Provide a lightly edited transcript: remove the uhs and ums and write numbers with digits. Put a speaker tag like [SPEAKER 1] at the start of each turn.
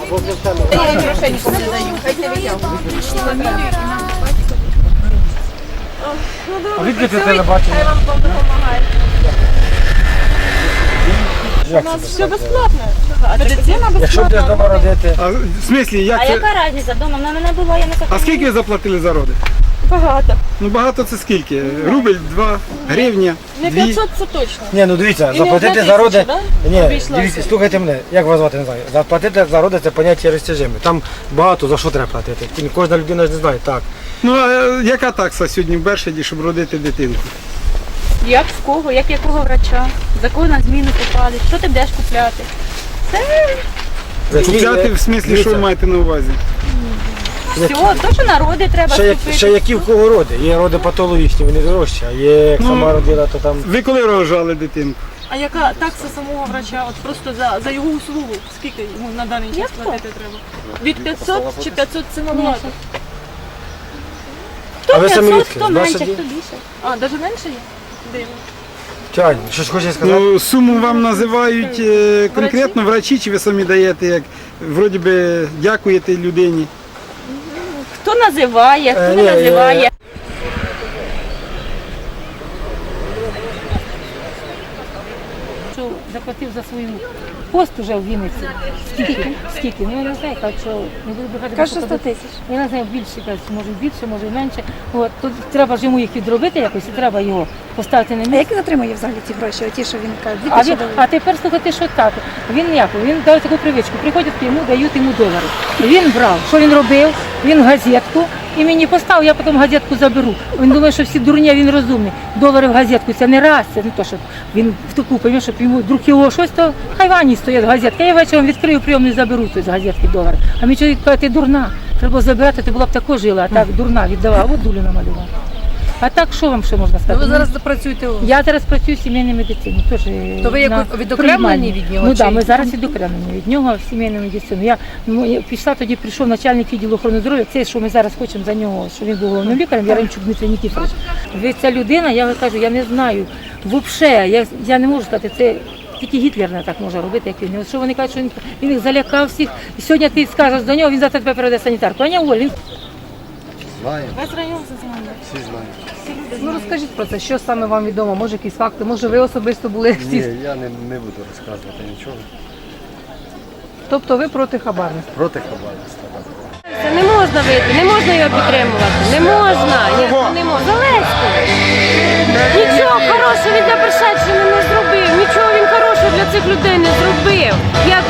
[SPEAKER 1] Грошей нікому не даю, хай не витягують.
[SPEAKER 2] А звідки це телебачення?
[SPEAKER 1] Хай вам Бог допомагає. У нас все безплатно. Медицина
[SPEAKER 2] Якщо будеш
[SPEAKER 1] безплатна.
[SPEAKER 2] дома родити,
[SPEAKER 3] А в смислі, як
[SPEAKER 4] А
[SPEAKER 3] це?
[SPEAKER 4] яка різниця? Дома в мене не було, я не
[SPEAKER 3] А
[SPEAKER 4] така.
[SPEAKER 3] скільки ви заплатили за роди?
[SPEAKER 1] Багато.
[SPEAKER 3] Ну багато це скільки? Рубль, 2, гривня,
[SPEAKER 1] Не
[SPEAKER 3] 2.
[SPEAKER 1] 500 це точно.
[SPEAKER 2] ні, ну дивіться,
[SPEAKER 1] І не
[SPEAKER 2] заплатити
[SPEAKER 1] 1000,
[SPEAKER 2] за роди,
[SPEAKER 1] да?
[SPEAKER 2] ні,
[SPEAKER 1] Обійшлося.
[SPEAKER 2] дивіться, слухайте мене, як вас звати, не знаю. Заплатити за роди це поняття розтяжиме. Там багато за що треба платити. Кожна людина ж не знає, так.
[SPEAKER 3] Ну а яка такса сьогодні в Бершаді, щоб родити дитинку?
[SPEAKER 4] Як в кого, як якого врача, за кого на зміну попали, що ти будеш купляти?
[SPEAKER 3] Купляти в смислі, що ви маєте на увазі?
[SPEAKER 4] Все, то, що народи треба купити.
[SPEAKER 2] Ще які в кого роди. Є роди патологічні, вони дорожчі, а є як сама родила, то там.
[SPEAKER 3] Ви коли рожали дитинку?
[SPEAKER 1] А яка такса самого врача? От просто за його услугу? Скільки йому на даний час платити треба? Від 500 чи 500 це набагато?
[SPEAKER 2] А
[SPEAKER 4] Хто
[SPEAKER 2] ви самі
[SPEAKER 4] 500,
[SPEAKER 2] відки?
[SPEAKER 4] хто менше,
[SPEAKER 2] Ваші
[SPEAKER 4] хто більше.
[SPEAKER 1] А, навіть менше є? Дивно.
[SPEAKER 2] Тянь, щось хочеш сказати?
[SPEAKER 3] Ну, суму вам називають конкретно врачі, чи ви самі даєте, як вроді би дякуєте людині?
[SPEAKER 4] Хто називає, хто
[SPEAKER 2] Ні,
[SPEAKER 4] не називає.
[SPEAKER 5] Що заплатив за свою пост уже в Вінниці. Скільки? Ну я не знаю, так що не буду брехати.
[SPEAKER 4] Каже, 100 тисяч.
[SPEAKER 5] Я не знаю, більше, може більше, може менше. От, тут треба ж йому їх відробити якось, і треба його поставити на
[SPEAKER 6] А
[SPEAKER 5] місце.
[SPEAKER 6] як він отримує взагалі ці гроші? Оті, що він каже,
[SPEAKER 5] А тепер слухайте, що так. Він ніяко, він дав таку привичку. Приходять йому, дають йому долари. Він брав. Що він робив? Він газетку і мені поставив, я потім газетку заберу. Він думає, що всі дурні, а він розумний. Долари в газетку, це не раз, це не то, що він в таку пойме, щоб йому вдруг його щось, то хай вані стоять газетка. Я вечором відкрию прийомну і заберу з газетки долари. А мій чоловік каже, ти дурна. Треба забирати, ти була б також жила, а так дурна віддавала, от дулю намалювала. А так що вам ще можна сказати?
[SPEAKER 7] Ви зараз працюєте у...
[SPEAKER 5] Я зараз працюю в сімейній медицині. Теж
[SPEAKER 7] То ви
[SPEAKER 5] на
[SPEAKER 7] відокремлені від нього?
[SPEAKER 5] Ну
[SPEAKER 7] чи-
[SPEAKER 5] так, ми зараз відокремлені від нього в сімейну медицину. Я пішла тоді, прийшов начальник відділу охорони здоров'я. Це, що ми зараз хочемо за нього, що він був головним лікарем, Яремчук Дмитрий Нікіфорович. Ви ця людина, я кажу, я не знаю. Взагалі, я не можу сказати, це тільки Гітлер не так може робити, як він. От що вони кажуть, що він їх залякав всіх. І сьогодні ти скажеш до нього, він завтра тебе переведе санітарку. А не Оль, він
[SPEAKER 1] Весь район це знає.
[SPEAKER 7] Ну розкажіть про це, що саме вам відомо, може якісь факти, може ви особисто були всі.
[SPEAKER 2] Ні, я не буду розказувати нічого.
[SPEAKER 7] Тобто ви проти хабарництва.
[SPEAKER 2] Проти хабарництва.
[SPEAKER 8] Це не можна вийти, не можна його підтримувати. Не можна. Не можна. Зеленський. Нічого хорошого він для Бершадщини не зробив. Нічого він хорошого для цих людей не зробив. Як